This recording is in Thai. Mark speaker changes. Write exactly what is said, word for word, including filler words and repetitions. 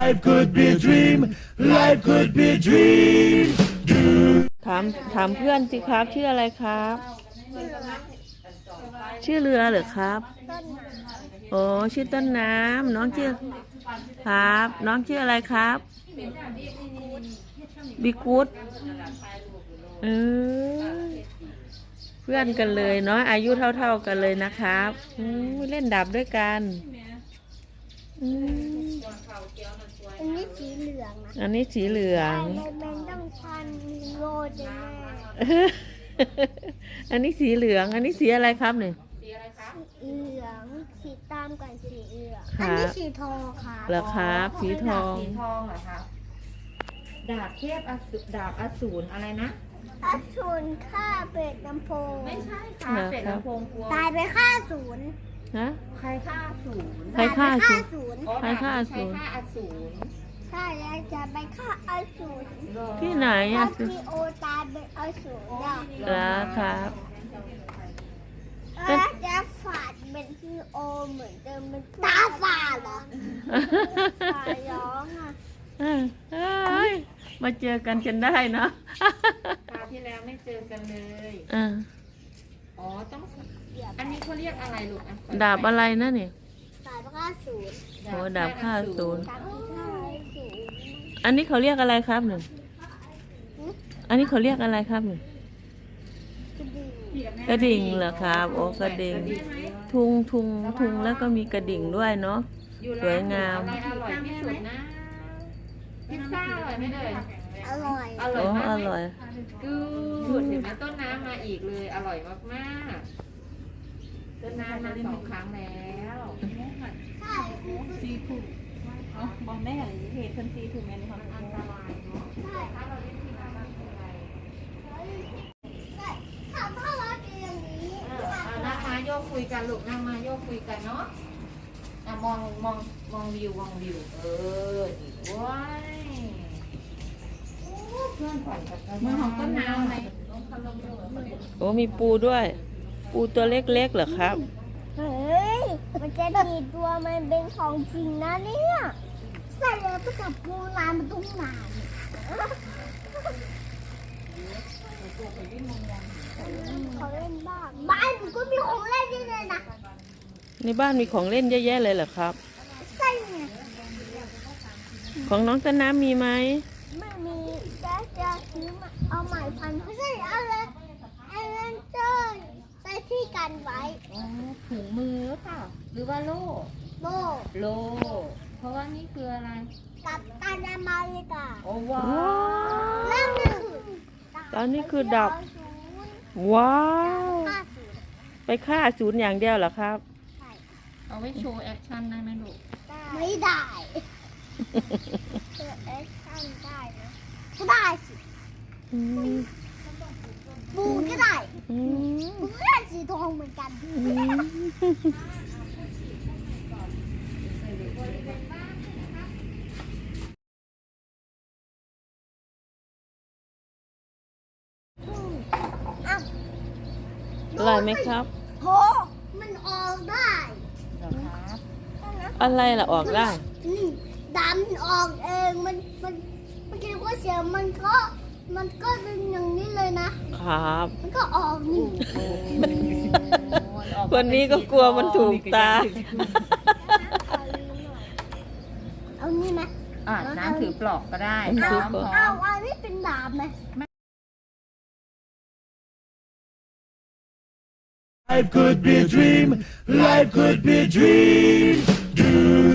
Speaker 1: Life could be a dream. Life could be a dream.
Speaker 2: ถามถามเพื่อนสิครับชื่ออะไรครับ ชื่อเรือเหรอครับโอ้ชื่อต้นน้ำน้องชื่อครับ น้องชื่ออะไรครับบิกูดเออเพื่อนกันเลยเนาะอายุเท่าๆกันเลยนะครับอืมเล่นดาบด้วยกันอืม
Speaker 3: อันนี้สีเหลืองนะ
Speaker 2: อันนี้สีเหลือง
Speaker 3: แต่มันต้องพันโรดแน่
Speaker 2: อันนี้สีเหลือง อันนี้สีอะไรครับเนี่ย
Speaker 3: สีเหลืองสีตามกับสีเหลือง
Speaker 2: ครับ
Speaker 3: อันนี้สีทองค่ะ
Speaker 2: เหรอครับสีทอง
Speaker 4: สีทองเหรอครับดาบเทพอสูรดาบอสูรอะไรนะ
Speaker 3: อาชุนฆ่าเป็ดน้ำโพง
Speaker 4: ไม่ใช่ค่ะ
Speaker 2: เหรอ
Speaker 4: เป็ด
Speaker 2: ครับ
Speaker 4: ลำโพงกลัว
Speaker 3: ตายไปฆ่าศูนย์
Speaker 2: ฮะ
Speaker 4: ใครฆ่าอสูร
Speaker 2: ใครฆ่า
Speaker 3: ตยไป
Speaker 2: ศูนย์
Speaker 3: ศูนย์
Speaker 4: อ๋อ
Speaker 2: ใครฆ่าอสูร
Speaker 4: ใครฆ่าอสูร
Speaker 3: ใช่แล้วจะไปฆ่าอาศูนย์
Speaker 4: เหรอ
Speaker 2: ที่ไหน
Speaker 3: ตอ
Speaker 2: อ่ะ
Speaker 3: นที่โอตายเป็นอาศูนย์อ่ะ
Speaker 2: เหรอครับ
Speaker 3: แล้วจะฝาดเป็นที่โอเหมือนเดิมเป็นตาฝาดเหรอฝาดร้องอ่ะ
Speaker 2: เอ้ยมาเจอกันจนได้เนาะ
Speaker 4: คราวที่แล้วไม่เจอกันเลย
Speaker 2: อ่ะ
Speaker 4: อ๋อต้องอันนี้เขาเรียกอะไรลูกอ่ะ
Speaker 2: ดาบอะไรนะเนี่ย
Speaker 3: ตายไปฆ่าศูนย์
Speaker 2: โอ้ดาบฆ่าอสูร
Speaker 3: ตามที่ฆ่าศูนย์
Speaker 2: อันนี้เขาเรียกอะไรครับเนี่ยอันนี้เขาเรียกอะไรครับเนี่ย
Speaker 3: กระดิ่ง
Speaker 2: กระดิ่งเหรอครับโอ้กระดิ่งทุงทุงทุงแล้วก็มีกระดิ่งด้วยเนาะ
Speaker 4: อยู่
Speaker 2: สวยงาม
Speaker 4: อะไรอร่อยที่สุดนะพิซซ่าอร่อยไหมเลย
Speaker 3: อร่อย
Speaker 4: อร่อย
Speaker 2: โอ้
Speaker 4: มาก
Speaker 2: อ
Speaker 4: ไหม
Speaker 2: ร่อย
Speaker 4: กูดเห็นไหมต้นน้ำมาอีกเลย อร่อยมากๆต้นน้ำมาสองครั้งแล้ว
Speaker 3: ใช่
Speaker 5: ซีถูกอ๋อบอกแม่อะไรเหตุคนซีถูกไหมในความเป็น
Speaker 4: อันตรายเนาะ
Speaker 3: ใช่
Speaker 4: ถ้าเราเล่นที่น้ำมันเป็นไร
Speaker 3: ใช่ถ้าถ้าเราเจออย่างนี้
Speaker 4: เออเอานั่งมาโยกคุยกันลูกนั่งมาโยกคุยกันเนาะอ่ะมองมองมองวิวมองวิว เออดีว้ายโอ้เพื่อนฝันกับเมืองของต้นน้ำไหม
Speaker 2: โอ้มีปูด้วย ปูตัวเล็กๆเหรอครับ
Speaker 3: เฮ้ยมันจะดีดตัวมันเป็นของจริงนะเนี่ยใส่เลยไปกับปูนานมันตุ้งนานเขาเล่นบ้านบ้านมันก็มีของเล่นเยอะเลยนะ
Speaker 2: ในบ้านมีของเล่นเยอะแยะเลยเหรอครับ
Speaker 3: ใช่ไง
Speaker 2: ของน้องต้นน้ำมีไหม
Speaker 3: ไม่มีจะจะซื้อมาเอาใหม่พันไม่ใช่อะไรอะไรเจ้ยใส่ที่กันไว้
Speaker 4: อ๋อถุงมือหรือเปล่าหรือว่าโล่
Speaker 3: โบ
Speaker 4: โล เพราะว่านี่คืออะไร
Speaker 3: กับตันอเมริกา
Speaker 4: โอ้ว้า
Speaker 3: แล้วนี่คือ
Speaker 2: ตอนนี้คือดับ ว้าว
Speaker 3: ห้าศูนย์
Speaker 2: ไปฆ่าศูนย์อย่างเดียวเหรอครับ
Speaker 3: ใช่
Speaker 4: เอาไว้โชว์แอคชั่นได้ไหมลูก
Speaker 3: ไม่ได้เกิดแอคชั่นได้นะก็ได้สิ
Speaker 2: อืม
Speaker 3: บูก็ได้
Speaker 2: อืม
Speaker 3: บูก็ได้สีทองเหมือนกัน
Speaker 2: อืม
Speaker 3: อ้าว
Speaker 2: อร่อยไหมครับ
Speaker 3: โหมันออกได้
Speaker 4: เหรอครับ
Speaker 2: อะไรล่ะออกได้
Speaker 3: นี่ดำออกเองมันมันมันคิดว่าเสียงมันก็มันก็เป็นอย่างนี้เลยนะครับ มันก็ออกนี่
Speaker 2: คนนี้ก็กลัวมันถูกตา
Speaker 3: เอานี่ไหม
Speaker 4: อ่าน้ำถือปลอกก็ได้
Speaker 2: น้ำถือปลอก
Speaker 3: เอาอันนี้เป็นดาบไหม
Speaker 1: Life could be a dream. Life could be a dream.